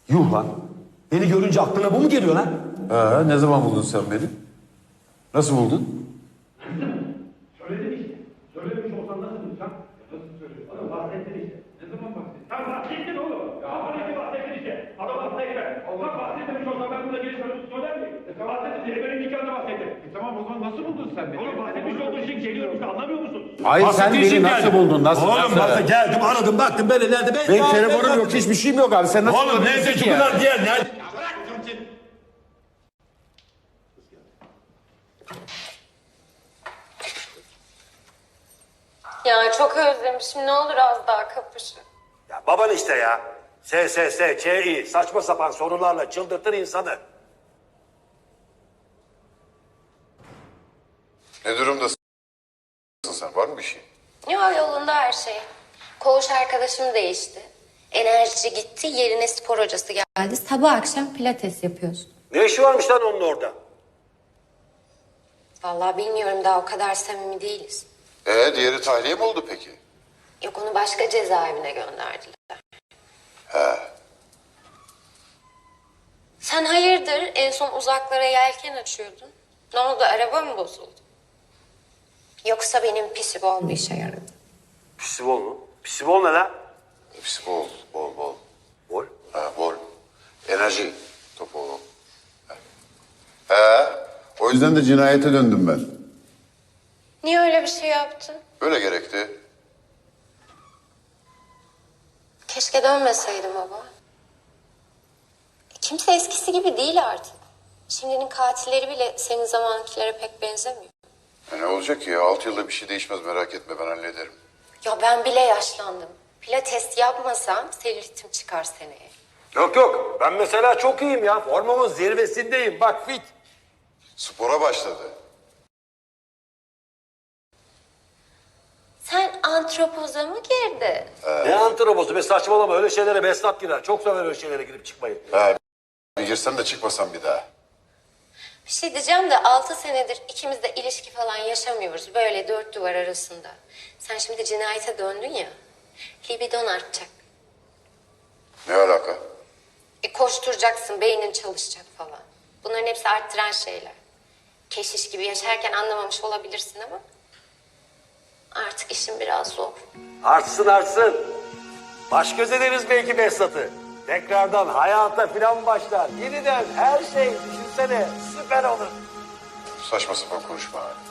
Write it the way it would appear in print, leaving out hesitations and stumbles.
Yuh lan. Beni görünce aklına bu mu geliyor lan? Ne zaman buldun sen beni? Nasıl buldun? Söyledin işte. Söylemiş olsan nasıl bulacağım? Nasıl söylüyorsun? Adam bahsettin işte. Ne zaman bahsettin? Sen bahsettin oğlum. Ya bana ki bahsettin işte. Adam bahsetti. Allah bahsetmemiş olsa ben burada gelip söyler miyim? Bahsettin diye benim nikahımda bahsettin. Tamam o zaman nasıl buldun sen beni? Oğlum bahsetmiş olduğun için geliyorum işte anlamıyor musun? Hayır sen beni nasıl buldun? Nasıl? Oğlum bak geldim aradım baktım böyle nerede? Benim telefonum yok, hiçbir şeyim yok abi. Sen nasıl Oğlum bulabilirsin neyse ki ki ya? bunlar diğer nerede? Ya çok özlemişim. Ne olur az daha kapışın. Ya baban işte ya. SSS, Kİ saçma sapan sorularla çıldırtır insanı. Ne durumdasın sen? Var mı bir şey? Ya yolunda her şey. Koğuş arkadaşım değişti. Enerjici gitti. Yerine spor hocası geldi. Sabah akşam pilates yapıyoruz. Ne işi varmış lan onun orada? Vallahi bilmiyorum daha o kadar samimi değiliz. Diğeri tahliye mi oldu peki? Yok onu başka cezaevine gönderdiler. Sen hayırdır en son uzaklara yelken açıyordun. Ne oldu araba mı bozuldu? Yoksa benim pisibol mu işe yaradı? Pisibol mu? Pisibol ne lan? Hepsi bol. Bol. Bol. Enerji topu o. O yüzden de cinayete döndüm ben. Niye öyle bir şey yaptın? Öyle gerekti. Keşke dönmeseydim baba. Kimse eskisi gibi değil artık. Şimdinin katilleri bile senin zamankilere pek benzemiyor. Ne olacak ki ya? 6 yılda bir şey değişmez, merak etme, ben hallederim. Ya ben bile yaşlandım. Pilates yapmasam selülitim çıkar seneye. Yok ben mesela çok iyiyim ya. Formumun zirvesindeyim bak fit. Spora başladı. Sen antropoza mı girdin? Ne antropozu be saçmalama öyle şeylere Besnat girer. Çok sever öyle şeylere girip çıkmayı. Bir girsem de çıkmasam bir daha. Bir şey diyeceğim de 6 senedir ikimiz de ilişki falan yaşamıyoruz. Böyle 4 duvar arasında. Sen şimdi cinayete döndün ya. Libidon artacak. Ne alaka? Koşturacaksın, beynin çalışacak falan. Bunların hepsi arttıran şeyler. Keşiş gibi yaşarken anlamamış olabilirsin ama... artık işin biraz zor. Artsın. Baş göz ederiz belki Besnat'ı. Tekrardan hayata falan başlar. Yeniden her şey düşünsene süper olur. Saçma sapan konuşma.